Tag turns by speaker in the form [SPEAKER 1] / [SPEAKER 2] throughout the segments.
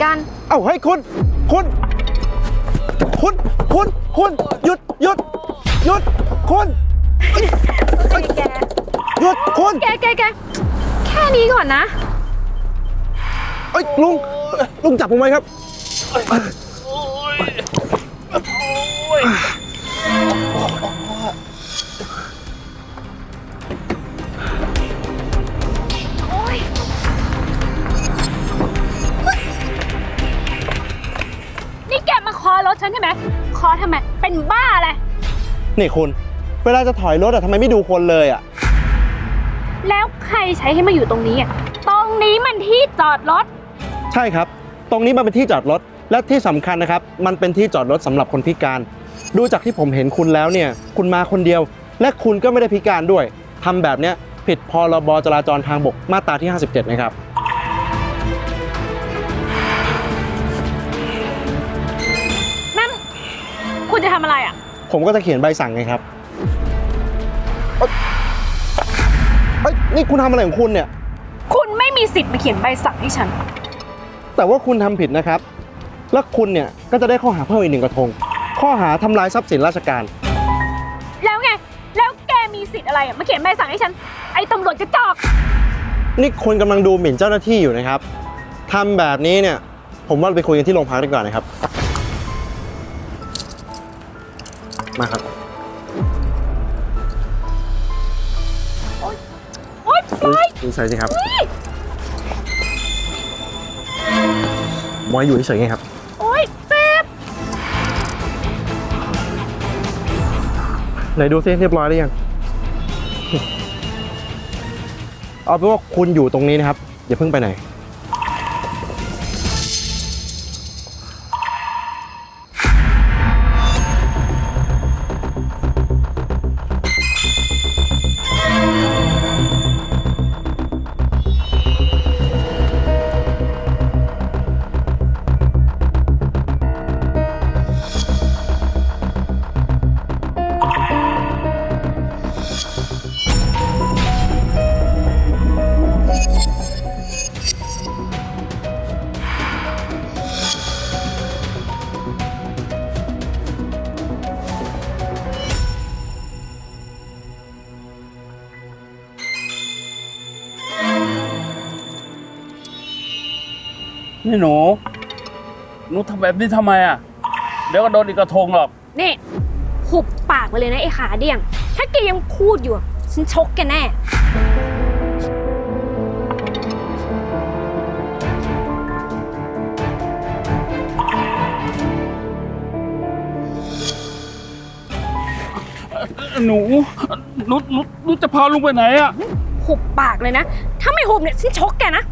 [SPEAKER 1] กัน
[SPEAKER 2] เอ้าเฮ้ยคุณหยุดคุณ
[SPEAKER 1] แก
[SPEAKER 2] หยุดคุณ
[SPEAKER 1] แกแค่นี้ก่อนนะ
[SPEAKER 2] เอ้ยลุงจับผมไว้ครับ
[SPEAKER 1] นี่แกมาคอรถฉันใช่ไหมคอทำไมเป็นบ้าอะไร
[SPEAKER 2] นี่คุณเวลาจะถอยรถอะทำไมไม่ดูคนเลยอะ
[SPEAKER 1] แล้วใครใช้ให้มาอยู่ตรงนี้อ่ะตรงนี้มันที่จอดรถ
[SPEAKER 2] ใช่ครับตรงนี้มันเป็นที่จอดรถและที่สำคัญนะครับมันเป็นที่จอดรถสำหรับคนพิการดูจากที่ผมเห็นคุณแล้วเนี่ยคุณมาคนเดียวและคุณก็ไม่ได้พิการด้วยทำแบบเนี้ยผิดพรบจราจรทางบกมาตราที่57นะครับ
[SPEAKER 1] นั่นคุณจะทำอะไรอ่ะ
[SPEAKER 2] ผมก็จะเขียนใบสั่งไงครับนี่คุณทำอะไรของคุณเนี่ย
[SPEAKER 1] คุณไม่มีสิทธิ์มาเขียนใบสั่งให้ฉัน
[SPEAKER 2] แต่ว่าคุณทำผิดนะครับแล้วคุณเนี่ยก็จะได้ข้อหาเพิ่มอีก1 กระทงข้อหาทำลายทรัพย์สินราชการ
[SPEAKER 1] แล้วไงแล้วแกมีสิทธิ์อะไรมาเขียนใบสั่งให้ฉันไอ้ตำรวจกระจอก
[SPEAKER 2] นี่คุณกำลังดูหมิ่นเจ้าหน้าที่อยู่นะครับทำแบบนี้เนี่ยผมว่าไปคุยกันที่โรงพักดีกว่านะครับมาครับ
[SPEAKER 1] โอ๊ยปล่อย
[SPEAKER 2] ดูใส่สิครับบอยอยู่เฉยๆไงครับ
[SPEAKER 1] โอ๊ยเจ็บ
[SPEAKER 2] ไหนดูซิเรียบร้อยหรือยังเอาเป็นว่าคุณอยู่ตรงนี้นะครับอย่าเพิ่งไปไหน
[SPEAKER 3] นี่หนูทำแบบนี้ทำไมอ่ะเดี๋ยวก็โดนอีกกระทงหรอก
[SPEAKER 1] นี่หุบปากไปเลยนะไอ้ขาเดี่ยงถ้าแกยังพูดอยู่ฉันชกแกแน่
[SPEAKER 3] หนูจะพาลุงไปไหนอ่ะ
[SPEAKER 1] หุบปากเลยนะถ้าไม่หุบเนี่ยฉันชกแกนะ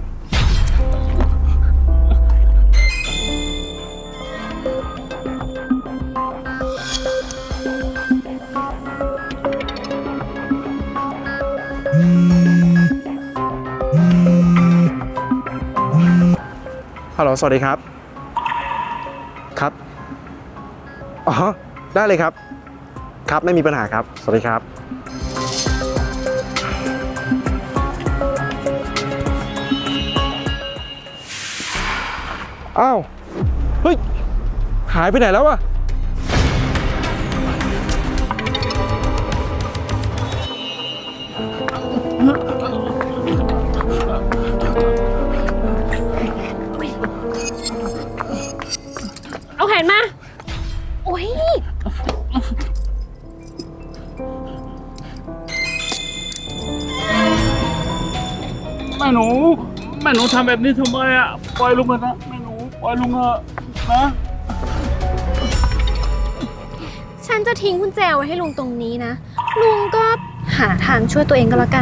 [SPEAKER 2] ฮัลโหลสวัสดีครับครับอ๋อได้เลยครับครับไม่มีปัญหาครับสวัสดีครับอ้าวเฮ้ยหายไปไหนแล้วอะ
[SPEAKER 1] เอาแขนมาโอ้ย
[SPEAKER 3] แม่หนูทำแบบนี้ทำไมอ่ะปล่อยลุงเถอะนะแม่หนูปล่อยลุงเถอะนะ
[SPEAKER 1] ฉันจะทิ้งกุญแจไว้ให้ลุงตรงนี้นะลุงก็หาทางช่วยตัวเองก็แล้วกัน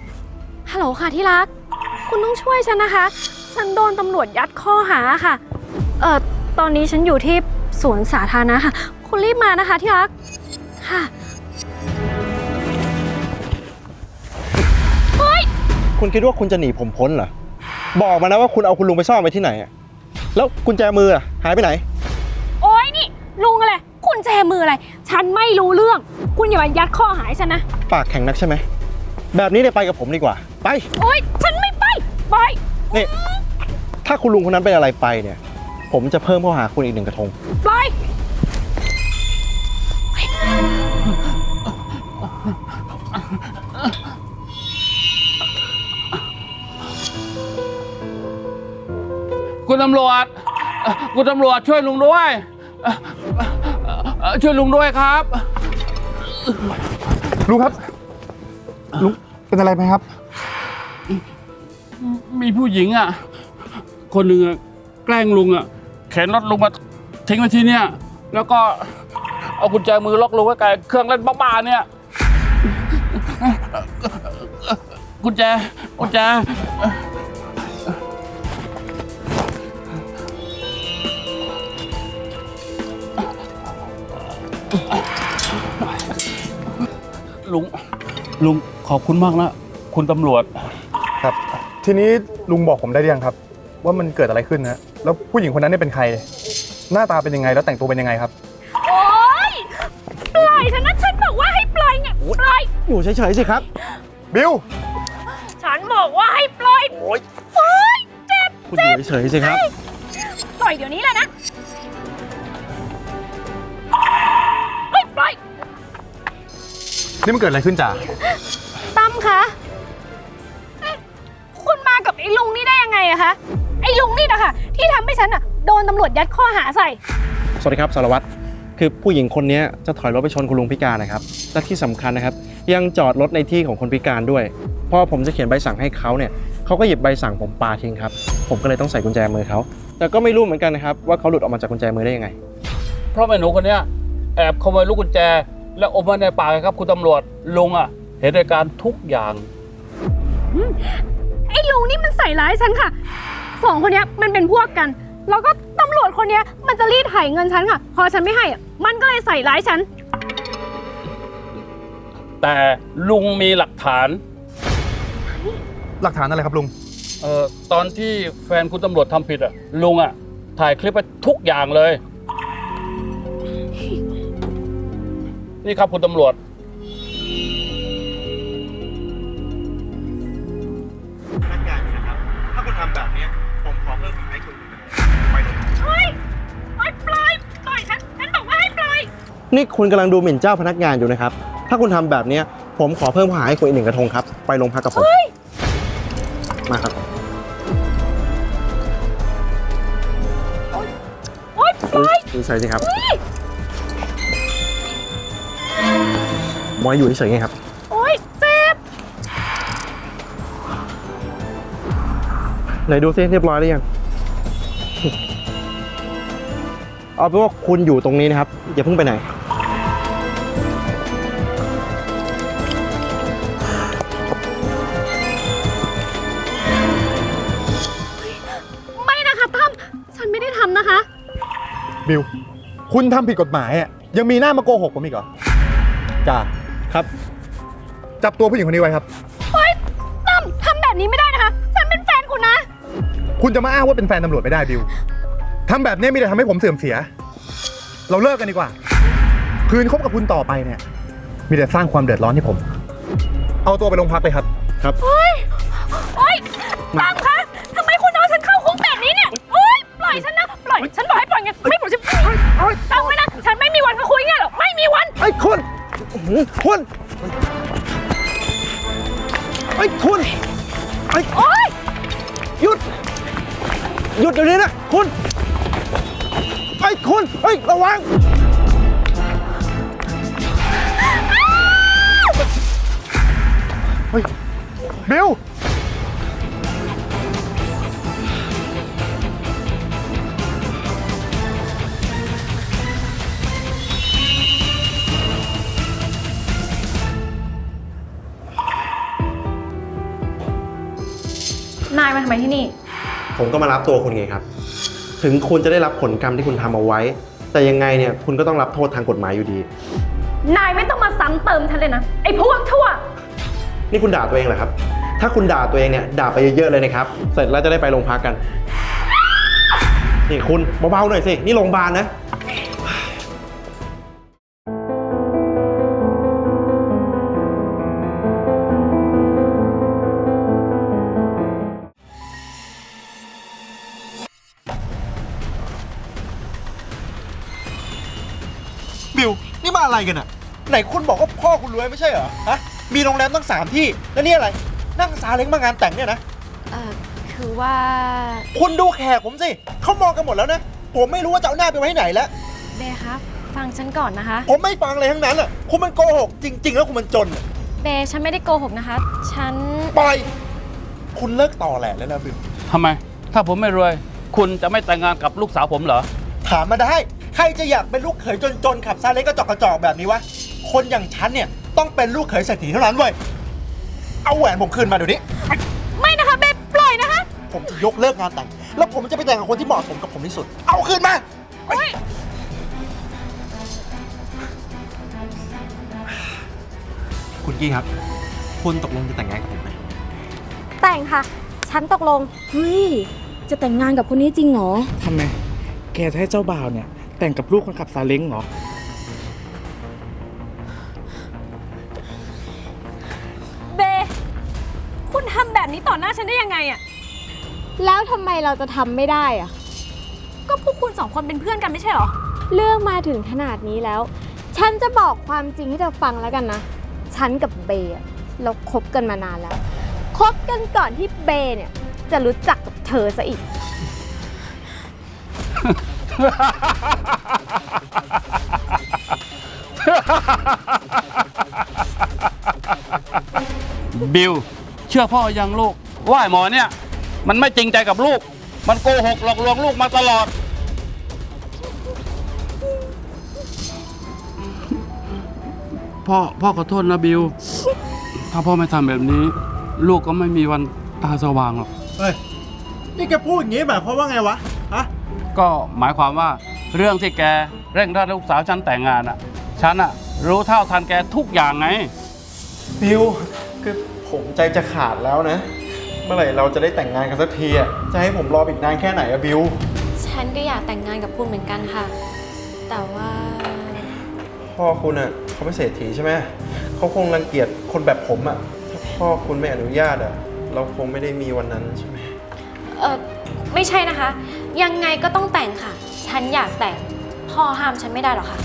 [SPEAKER 1] ฮัลโหลค่ะที่รักคุณต้องช่วยฉันนะคะฉันโดนตำรวจยัดข้อหาค่ะตอนนี้ฉันอยู่ที่สวนสาธารณะค่ะ คุณรีบมานะคะที่รัก ค่ะ
[SPEAKER 2] คุณคิดว่าคุณจะหนีผมพ้นเหรอ บอกมานะว่าคุณเอาคุณลุงไปซ่อนไว้ที่ไหนอะแล้วกุญแจมืออะหายไปไหน
[SPEAKER 1] โอ๊ยนี่ลุงอะไร คุณแจมืออะไร ฉันไม่รู้เรื่อง คุณอย่ามายัดข้อหาให้ฉันนะ
[SPEAKER 2] ปากแข็งนักใช่ไหม แบบนี้เนี่ยไปกับผมดีกว่า ไป
[SPEAKER 1] โอ๊ย ฉันไม่ไป ไป
[SPEAKER 2] นี่ ถ้าคุณลุงคนนั้นเป็นอะไรไปเนี่ย ผมจะเพิ่มข้อหาคุณอีก 1 กระทง
[SPEAKER 1] ไป
[SPEAKER 3] คุณตำรวจคุณตำรวจช่วยลุงด้วยช่วยลุงด้วยครับ
[SPEAKER 4] ลุงครับ ลุงเป็นอะไรไหมครับ
[SPEAKER 3] มีผู้หญิงอ่ะ คนหนึ่งอะแกล้งลุงอ่ะเข็นรถลุงมาทิ้งไว้ที่เนี่ย แล้วก็เอากุญแจมือล็อกลุงไว้กับเครื่องเล่นบ้าๆเนี่ย กุญแจ ลุงขอบคุณมากนะคุณตำรวจ
[SPEAKER 4] ครับ ทีนี้ลุงบอกผมได้หรือยังครับ ว่ามันเกิดอะไรขึ้นนะแล้วผู้หญิงคนนั้นเนี่ยเป็นใคร หน้าตาเป็นยังไงแล้วแต่งตัวเป็นยังไงครับ
[SPEAKER 1] โอ๊ย ปล่อยฉันนะ ฉันบอกว่าให้ปล่อยไง ปล่อย
[SPEAKER 2] อยู่เฉยๆสิครับ
[SPEAKER 4] บิว
[SPEAKER 1] ฉันบอกว่าให้ปล่อย โอ๊ย เจ็บ
[SPEAKER 2] คุณอยู่เฉยๆสิครับ
[SPEAKER 1] ปล่อยเดี๋ยวนี้เลยนะเฮ้ยปล่อย
[SPEAKER 4] นี่มันเกิดอะไรขึ้นจ่า
[SPEAKER 1] ตั้มคะเอ๊ะคุณมากับไอ้ลุงนี่ได้ยังไงอะคะ ไอ้ลุงนี่นะคะที่ทำให้ฉันอะโดนตำรวจยัดข้อหาใส่
[SPEAKER 2] สวัสดีครับสารวัตร คือผู้หญิงคนนี้จะถอยรถไปชนคุณลุงพิการนะครับ และที่สำคัญนะครับ ยังจอดรถในที่ของคนพิการด้วย พอผมจะเขียนใบสั่งให้เขาเนี่ยเขาก็หยิบใบสั่งผมปาทิ้งครับ ผมก็เลยต้องใส่กุญแจมือเขา แต่ก็ไม่รู้เหมือนกันนะครับว่าเขาหลุดออกมาจากกุญแจมือได้ยังไง
[SPEAKER 3] เพราะแม่หนูคนเนี้ยแอบขโมยลูกกุญแจ แล้วอมไว้ในปากครับคุณตำรวจลุงอ่ะเห็นเหตุการณ์ทุกอย่าง
[SPEAKER 1] ไอ้ลุงนี่มันใส่ร้ายฉันค่ะสองคนเนี้ยมันเป็นพวกกัน แล้วก็ตำรวจคนเนี้ยมันจะรีดไถเงินฉันค่ะ พอฉันไม่ให้อะมันก็เลยใส่ร้ายฉัน
[SPEAKER 3] แต่ลุงมีหลักฐาน
[SPEAKER 4] หลักฐานอะไรครับลุง
[SPEAKER 3] ตอนที่แฟนคุณตำรวจทำผิดอ่ะลุงอ่ะถ่ายคลิปไปทุกอย่างเลย นี่ครับคุณตำรวจ
[SPEAKER 2] พนักงานนะครับ ถ้าคุณทำแบบนี้ผมขอเพิ่มให้คุณไปเลย
[SPEAKER 1] เฮ้ยปล่อยปล่อยฉันบอกว่าให้ปล่อย
[SPEAKER 2] นี่คุณกำลังดูหมิ่นเจ้าพนักงานอยู่นะครับ ถ้าคุณทำแบบนี้ผมขอเพิ่มข้อหาให้คุณอีก 1 กระทงครับ ไปโรงพักกับผม มาครับ
[SPEAKER 1] โอ๊ยปล่อย
[SPEAKER 2] ดูใส่สิครับมอยอยู่เฉยๆไงครับ
[SPEAKER 1] โอ๊ยเจ็บ
[SPEAKER 2] ไหนดูซิเรียบร้อยหรือยัง เอาเป็นว่าคุณอยู่ตรงนี้นะครับ อย่าเพิ่งไปไหน
[SPEAKER 1] ไม่นะคะตั้มฉันไม่ได้ทำนะคะ
[SPEAKER 4] บิว คุณทำผิดกฎหมายอ่ะยังมีหน้ามาโกหกผมอีกเหรอจ่า
[SPEAKER 2] ครับ
[SPEAKER 4] จับตัวผู้หญิงคนนี้ไว้ครับ
[SPEAKER 1] เฮ้ยตั้มทำแบบนี้ไม่ได้นะคะ ฉันเป็นแฟนคุณนะ
[SPEAKER 4] คุณจะมาอ้างว่าเป็นแฟนตำรวจไม่ได้บิวทำแบบนี้มีแต่ทำให้ผมเสื่อมเสีย เราเลิกกันดีกว่า คืนคบกับคุณต่อไปเนี่ย มีแต่สร้างความเดือดร้อนให้ผม เอาตัวไปโรงพักเลยครับ
[SPEAKER 2] ครับ
[SPEAKER 1] โอ๊ยตั้มคะทำไมคุณเอาฉันเข้าคุกแบบนี้เนี่ย โอ๊ย ปล่อยฉันนะ ปล่อย ฉันบอกให้ปล่อยไง ไม่ปล่อยฉันจำไว้นะ ฉันไม่มีวันมาคุยไงหรอก ไม่มีวัน
[SPEAKER 2] ไอ้คุณอื้อหือคุณไอ้คุณไอ้
[SPEAKER 1] โอ๊ย
[SPEAKER 2] หยุด หยุดเดี๋ยวนี้นะคุณ ไอ้คุณเฮ้ยระวัง
[SPEAKER 4] เฮ้ย บิว
[SPEAKER 1] นายมาทำไมที่นี่
[SPEAKER 2] ผมก็มารับตัวคุณไงครับ ถถึงคุณจะได้รับผลกรรมที่คุณทำเอาไว้ แต่ยังไงเนี่ยคุณก็ต้องรับโทษทางกฎหมายอยู่ดี
[SPEAKER 1] นายไม่ต้องมาซ้ำเติมฉันเลยนะ ไอ้พวกชั่ว
[SPEAKER 2] นี่คุณด่าตัวเองเหรอครับ ถ้าคุณด่าตัวเองเนี่ยด่าไปเยอะๆเลยนะครับ เสร็จแล้วจะได้ไปโรงพักกัน นี่คุณเบาๆหน่อยสิ นี่โรงพยาบาลนะ บิว นี่มาอะไรกันอะไหนคุณบอกว่าพ่อคุณรวยไม่ใช่เหรอ ฮะ มีโรงแรมตั้ง3 ที่ แล้วนี่อะไร นั่งซาเล้งมางานแต่งเนี่ยนะ
[SPEAKER 1] คือว่า
[SPEAKER 2] คุณดูแขกผมสิ เขามองกันหมดแล้วนะ ผมไม่รู้ว่าจะเอาหน้าไปไว้ไหนแล้ว
[SPEAKER 1] เบครับฟังฉันก่อนนะคะ
[SPEAKER 2] ผมไม่ฟังเลยทั้งนั้นอ่ะ คุณมันโกหกจริง ๆ แล้วคุณมันจนอะ
[SPEAKER 1] เบฉันไม่ได้โกหกนะคะ ฉัน
[SPEAKER 2] ปล่อย คุณเลิกต่อแหละแล้วนะบิว
[SPEAKER 3] ทำไม ถ้าผมไม่รวย คุณจะไม่แต่งงานกับลูกสาวผมเหรอ
[SPEAKER 2] ถามมาได้ ใครจะอยากเป็นลูกเขยจนๆขับซาเล้งกระจอกแบบนี้วะ คนอย่างฉันเนี่ยต้องเป็นลูกเขยเศรษฐีเท่านั้นเว้ย เอาแหวนผมคืนมาเดี๋ยวนี้
[SPEAKER 1] ไม่นะคะเบปล่อยนะคะ
[SPEAKER 2] ผมจะยกเลิกงานแต่ง แล้วผมจะไปแต่งกับคนที่เหมาะสมกับผมที่สุด เอาคืนมา คุณกี้ครับ คุณตกลงจะแต่งงานกับผมไหม
[SPEAKER 5] แต่งค่ะ ฉันตกลง
[SPEAKER 6] เฮ้ย จะแต่งงานกับคนนี้จริงเหรอ
[SPEAKER 7] ทำไม แกจะให้เจ้าบ่าวเนี่ย แต่งกับลูกคนขับซาเล้งเหรอ
[SPEAKER 1] เบ คุณทำแบบนี้ต่อหน้าฉันได้ยังไงอะ
[SPEAKER 5] แล้วทำไมเราจะทำไม่ได้อะ
[SPEAKER 1] ก็พวกคุณ2 คนเป็นเพื่อนกันไม่ใช่เหรอ
[SPEAKER 5] เรื่องมาถึงขนาดนี้แล้ว ฉันจะบอกความจริงให้เธอฟังแล้วกันนะ ฉันกับเบย์อะเราคบกันมานานแล้ว คบกันก่อนที่เบย์เนี่ยจะรู้จักกับเธอซะอีก
[SPEAKER 3] บิลเชื่อพ่อยังลูก ว่าไอ้หมอเนี่ย มันไม่จริงใจกับลูก มันโกหกหลอกลวงลูกมาตลอด พ่อขอโทษนะบิลถ้าพ่อไม่ทำแบบนี้ ลูกก็ไม่มีวันตาสว่างหรอก
[SPEAKER 2] เฮ้ย นี่แกพูดอย่างนี้หมายความว่าไงวะ ฮะ
[SPEAKER 3] ก็หมายความว่าเรื่องที่แกเร่งรัดลูกสาวฉันแต่งงานอ่ะ ฉันอ่ะรู้เท่าทันแกทุกอย่างไง
[SPEAKER 2] บิว คือผมใจจะขาดแล้วนะ เมื่อไหร่เราจะได้แต่งงานกันสักทีอ่ะ จะให้ผมรออีกนานแค่ไหนอะบิว
[SPEAKER 5] ฉันก็อยากแต่งงานกับคุณเหมือนกันค่ะ แต่ว่า
[SPEAKER 2] พ่อคุณอ่ะเขาเป็นเศรษฐีใช่ไหม เขาคงรังเกียจคนแบบผมอ่ะ ถ้าพ่อคุณไม่อนุญาตอ่ะ เราคงไม่ได้มีวันนั้นใช่ไหม
[SPEAKER 5] ไม่ใช่นะคะ ยังไงก็ต้องแต่งค่ะ ฉันอยากแต่ง พ่อห้ามฉันไม่ได้หรอกค่ะ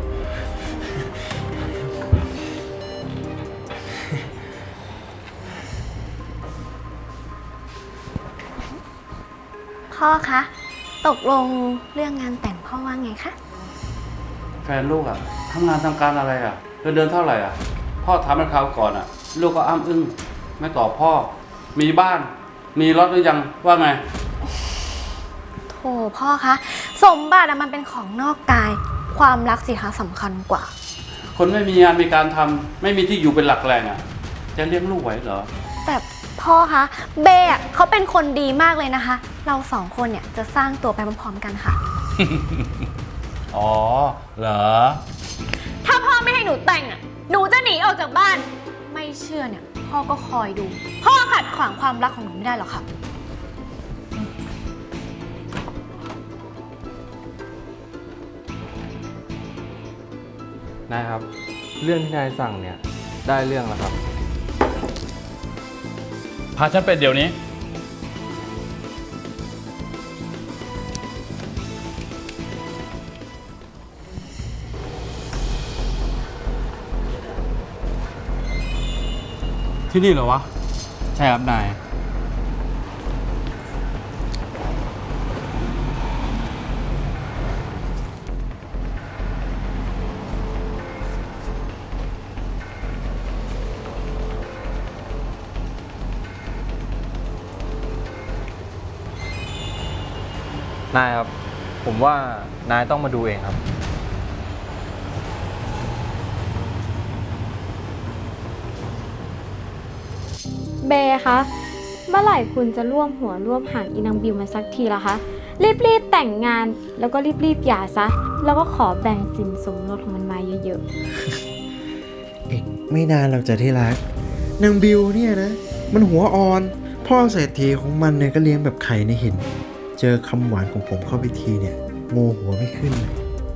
[SPEAKER 5] พ่อคะ ตกลงเรื่องงานแต่งพ่อว่าไงคะ
[SPEAKER 3] แฟนลูกอ่ะทำงานทำการอะไรอ่ะเดือนเท่าไหร่อ่ะ พ่อถามมันคราวก่อนอ่ะ ลูกก็อ้ำอึ้งไม่ตอบพ่อ มีบ้าน มีรถหรือยังว่าไง
[SPEAKER 5] โถพ่อคะ สมบัติอะมันเป็นของนอกกาย ความรักสิคะสำคัญกว่า
[SPEAKER 3] คนไม่มีงานมีการทำไม่มีที่อยู่เป็นหลักแหล่งอ่ะ จะเลี้ยงลูกไหวเหรอ
[SPEAKER 5] แต่พ่อคะเบย์อะเขาเป็นคนดีมากเลยนะคะ เรา2 คนเนี่ยจะสร้างตัวไปพร้อมๆกันค่ะ
[SPEAKER 3] อ๋อ เหรอ
[SPEAKER 1] ถ้าพ่อไม่ให้หนูแต่งอะหนูจะหนีออกจากบ้าน
[SPEAKER 5] ไม่เชื่อเนี่ย พ่อก็คอยดู พ่อขัดขวางความรักของหนูไม่ได้หรอกค่ะ
[SPEAKER 8] นายครับ เรื่องที่นายสั่งเนี่ยได้เรื่องแล้วครับ
[SPEAKER 3] พาฉันไปเดี๋ยวนี้ ที่นี่เหรอวะ
[SPEAKER 8] ใช่ครับนาย นายครับ ผมว่านายต้องมาดูเองครับ
[SPEAKER 5] เบย์คะ เมื่อไหร่คุณจะร่วมหัวร่วมหางอีนางบิวมาสักทีละคะรีบแต่งงานแล้วก็รีบหย่าซะ แล้วก็ขอแบ่งสินสมรสของมันมาเยอะ
[SPEAKER 2] อีกไม่นานเราจะที่รักนางบิวเนี่ยนะ มันหัวอ่อน พ่อเศรษฐีของมันเนี่ยก็เลี้ยงแบบไข่ในหิน เจอคำหวานของผมเข้าไปทีเนี่ยโงหัวไม่ขึ้นเลย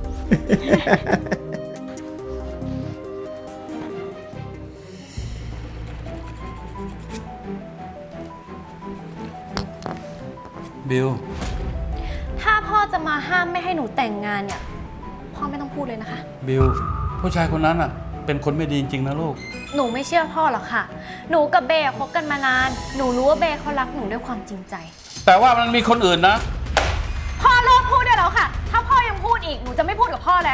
[SPEAKER 3] บิว
[SPEAKER 1] ถ้าพ่อจะมาห้ามไม่ให้หนูแต่งงานเนี่ย พ่อไม่ต้องพูดเลยนะคะ
[SPEAKER 3] บิว ผู้ชายคนนั้นอ่ะ เป็นคนไม่ดีจริงๆนะลูก
[SPEAKER 1] หนูไม่เชื่อพ่อหรอกค่ะ หนูกับเบย์คบกันมานาน หนูรู้ว่าเบย์เขารักหนูด้วยความจริงใจ
[SPEAKER 3] แต่ว่ามันมีคนอื่นนะ
[SPEAKER 1] พ่อเลิกพูดได้แล้วค่ะ ถ้าพ่อยังพูดอีก หนูจะไม่พูดกับพ่อแล้ว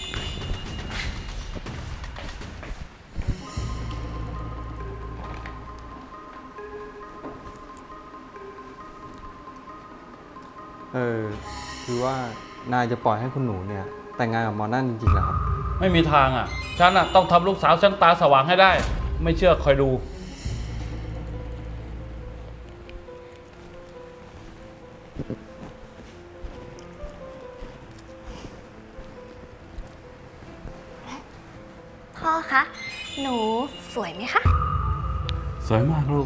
[SPEAKER 8] คือว่านายจะปล่อยให้คุณหนูเนี่ยแต่งงานกับหมอนั่นจริงๆเหรอครับ
[SPEAKER 3] ไม่มีทางอ่ะ ฉันอ่ะต้องทำลูกสาวฉันตาสว่างให้ได้ ไม่เชื่อคอยดู
[SPEAKER 1] พ่อคะ หนูสวยไหมคะ
[SPEAKER 3] สวยมากลูก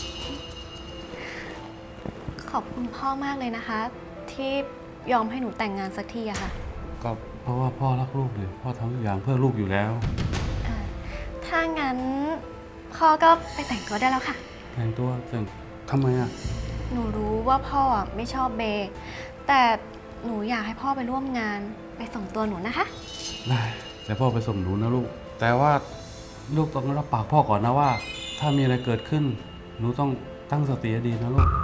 [SPEAKER 1] ขอบคุณพ่อมากเลยนะคะ ที่ยอมให้หนูแต่งงานสักทีอะค่ะ
[SPEAKER 3] ก็เพราะว่าพ่อรักลูกเลยพ่อทำทุกอย่างเพื่อลูกอยู่แล้ว
[SPEAKER 1] ถ้างั้นพ่อก็ไปแต่งตัวได้แล้วค่ะ
[SPEAKER 3] แต่งตัวแต่งทำไมอ่ะ
[SPEAKER 1] หนูรู้ว่าพ่ออะไม่ชอบเบย์แต่หนูอยากให้พ่อไปร่วมงานไปส่งตัวหนูนะคะ
[SPEAKER 3] ได้แต่พ่อไปส่งหนูนะลูก แต่ว่าลูกต้องรับปากพ่อก่อนนะว่า ถ้ามีอะไรเกิดขึ้น หนูต้องตั้งสติให้ดีนะลูก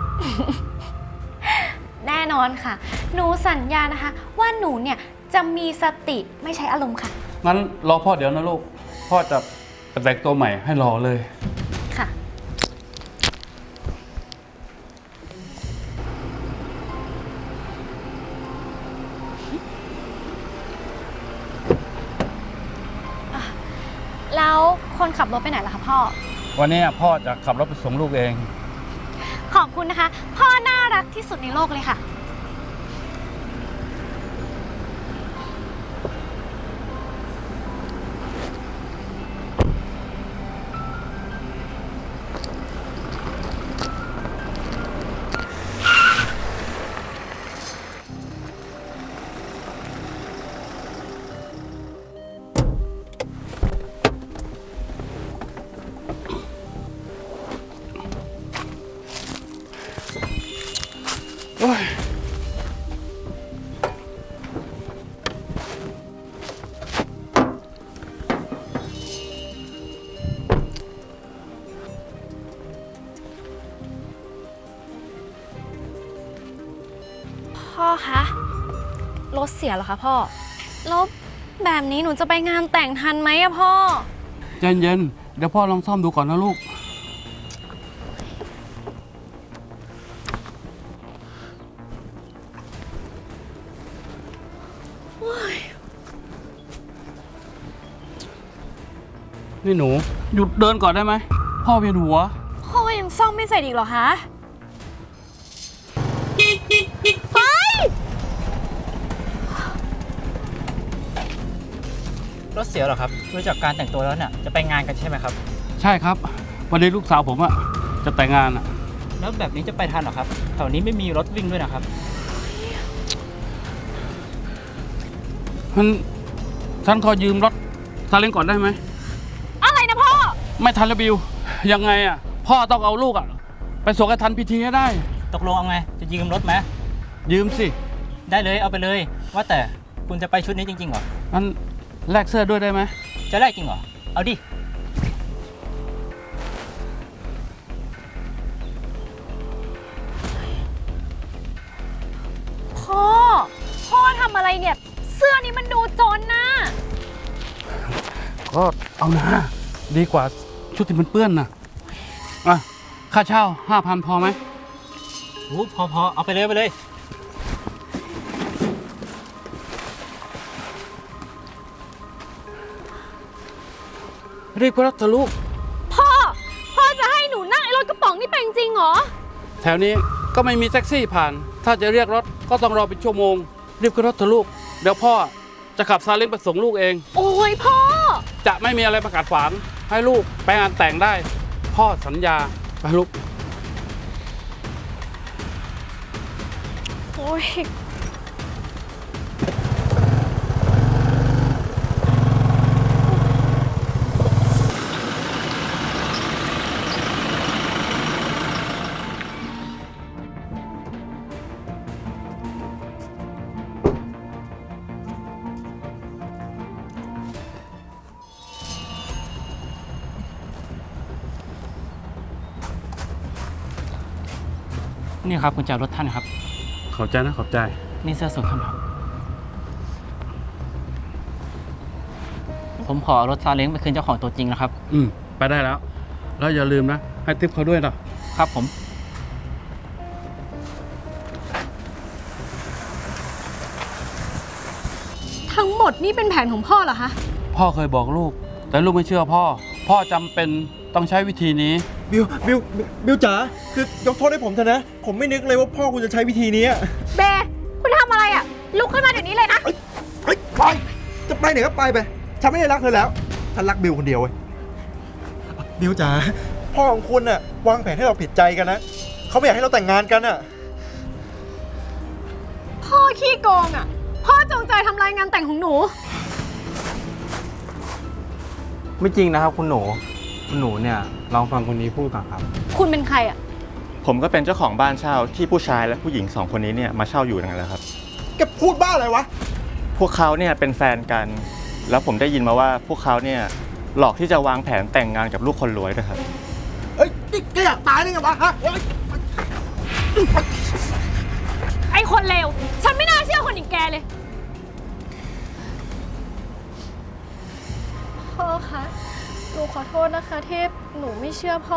[SPEAKER 1] แน่นอนค่ะ หนูสัญญานะคะ ว่าหนูเนี่ยจะมีสติไม่ใช้อารมณ์ค่ะ
[SPEAKER 3] งั้นรอพ่อเดี๋ยวนะลูก พ่อจะไปแต่งตัวใหม่ให้รอเลย
[SPEAKER 1] ค่ะ แล้วคนขับรถไปไหนล่ะคะพ่อ
[SPEAKER 3] วันนี้พ่อจะขับรถไปส่งลูกเอง
[SPEAKER 1] ขอบคุณนะคะ พ่อน่ารักที่สุดในโลกเลยค่ะ พ่อคะรถเสียเหรอคะพ่อแล้วแบบนี้หนูจะไปงานแต่งทันไหมอะพ่อ
[SPEAKER 3] ใจเย็นๆเดี๋ยวพ่อลองซ่อมดูก่อนนะลูก นี่หนู หยุดเดินก่อนได้ไหม พ่อเวียนหัว
[SPEAKER 1] พ่อยังซ่อมไม่เสร็จอีกเหรอคะเฮ้ย
[SPEAKER 9] รถเสียเหรอครับดูจากการแต่งตัวแล้วเนี่ยจะไปงานกันใช่ไหมครับ
[SPEAKER 3] ใช่ครับ วันนี้ลูกสาวผมอะจะแต่งงานอะ
[SPEAKER 9] แล้วแบบนี้จะไปทันเหรอครับแถวนี้ไม่มีรถวิ่งด้วยนะครับ
[SPEAKER 3] ฉันขอยืมรถซาเล้งก่อนได้ไหม
[SPEAKER 1] อะไรนะพ่อ
[SPEAKER 3] ไม่ทันแล้วบิว ยังไงอะพ่อต้องเอาลูกอะไปส่งให้ทันพิธีให้ได้
[SPEAKER 9] ตกลงเอาไงจะยืมรถไหม
[SPEAKER 3] ยืมสิ
[SPEAKER 9] ได้เลยเอาไปเลย ว่าแต่คุณจะไปชุดนี้จริงๆเหรอ
[SPEAKER 3] งั้นแลกเสื้อด้วยได้ไหม
[SPEAKER 9] จะแลกจริงเหรอเอาดิ
[SPEAKER 1] พ่อทำอะไรเนี่ย เสื้อนี้มันดูจนนะ
[SPEAKER 3] ก็เอานะดีกว่าชุดที่มันเปื้อนนะอ่ะค่าเช่า 5,000 พอไหม
[SPEAKER 9] โอ้พอเอาไปเลยไปเลย
[SPEAKER 3] รีบก็รับเถอะลูก
[SPEAKER 1] พ่อจะให้หนูนั่งไอ้รถกระป๋องนี่ไปจริงๆเหรอ
[SPEAKER 3] แถวนี้ก็ไม่มีแท็กซี่ผ่าน ถ้าจะเรียกรถก็ต้องรอเป็นชั่วโมง รีบขึ้นรถเถอะลูก เดี๋ยวพ่อจะขับซาเล้งไปส่งลูกเอง
[SPEAKER 1] โอ้ยพ่อ
[SPEAKER 3] จะไม่มีอะไรประกาศขวางให้ลูกไปงานแต่งได้ พ่อสัญญาไปลูก
[SPEAKER 1] โอ้ย
[SPEAKER 9] นี่ครับกุญแจรถท่านครับ
[SPEAKER 3] ขอบใจนะขอบใจ
[SPEAKER 9] นี่เสื้อสูทท่านครับ ผมขอรถซาเล้งไปคืนเจ้าของตัวจริงนะครับ
[SPEAKER 3] ไปได้แล้ว แล้วอย่าลืมนะ ให้ทิปเขาด้วยนะครับ
[SPEAKER 9] ผม
[SPEAKER 1] ทั้งหมดนี่เป็นแผนของพ่อเหรอคะ
[SPEAKER 3] พ่อเคยบอกลูก แต่ลูกไม่เชื่อพ่อ พ่อจำเป็นต้องใช้วิธีนี้
[SPEAKER 2] บิวจ๋า คือยกโทษให้ผมเถอะนะ ผมไม่นึกเลยว่าพ่อคุณจะใช้วิธีนี้
[SPEAKER 5] เบย์คุณทำอะไรอะลุกขึ้นมาเดี๋ยวนี้เลยนะ
[SPEAKER 2] เฮ้ยไปจะไปไหนก็ไป ฉันไม่ได้รักเธอแล้ว ฉันรักบิวคนเดียวเว้ย บิวจ๋า พ่อของคุณน่ะวางแผนให้เราผิดใจกันนะ เขาไม่อยากให้เราแต่งงานกันน่ะ
[SPEAKER 1] พ่อขี้โกงอ่ะ พ่อจงใจทำลายงานแต่งของหนู
[SPEAKER 8] ไม่จริงนะครับคุณหนู คุณหนูเนี่ยลองฟังคนนี้พูดก่อนครับ
[SPEAKER 1] คุณเป็นใครอ่ะ
[SPEAKER 10] ผมก็เป็นเจ้าของบ้านเช่าที่ผู้ชายและผู้หญิง2คนนี้เนี่ยมาเช่าอยู่นั่นแหละครับ
[SPEAKER 2] แกพูดบ้าอะไรวะ
[SPEAKER 10] พวกเขาเนี่ยเป็นแฟนกัน แล้วผมได้ยินมาว่าพวกเขาเนี่ยหลอกที่จะวางแผนแต่งงานกับลูกคนรวยด้วยครับ
[SPEAKER 2] เอ้ยนี่แกอยากตายได้ไงวะฮะเฮ้ย
[SPEAKER 1] ไอ้คนเลว ฉันไม่น่าเชื่อคนอย่างแกเลย
[SPEAKER 5] พ่อคะ หนูขอโทษนะคะที่หนูไม่เชื่อพ่อ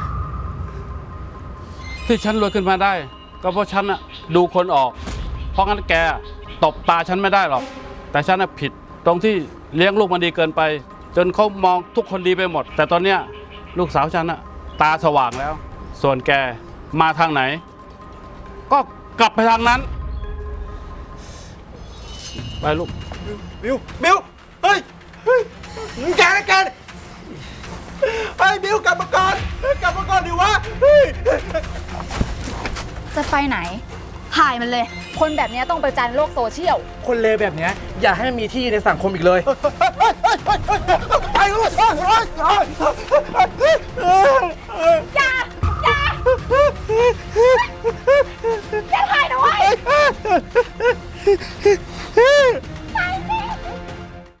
[SPEAKER 3] ที่ฉันรวยขึ้นมาได้ ก็เพราะฉันอะดูคนออก เพราะงั้นแกตบตาฉันไม่ได้หรอก แต่ฉันอะผิดตรงที่เลี้ยงลูกมันดีเกินไป จนเขามองทุกคนดีไปหมด แต่ตอนเนี้ยลูกสาวฉันอะตาสว่างแล้ว ส่วนแกมาทางไหน ก็กลับไปทางนั้น ไปลูก
[SPEAKER 2] บิวเฮ้ยแกนะแกไอ้ยบิวกลับมาก่อนดิวะเฮ้ย
[SPEAKER 6] จะไปไหน ถ่ายมันเลย คนแบบนี้ต้องประจานโลกโซเชียล
[SPEAKER 7] คนเลวแบบเนี้ยอย่าให้มันมีที่ในสังคมอีกเลย
[SPEAKER 2] ไปเลย
[SPEAKER 1] อย่าถ่ายนะเว้ย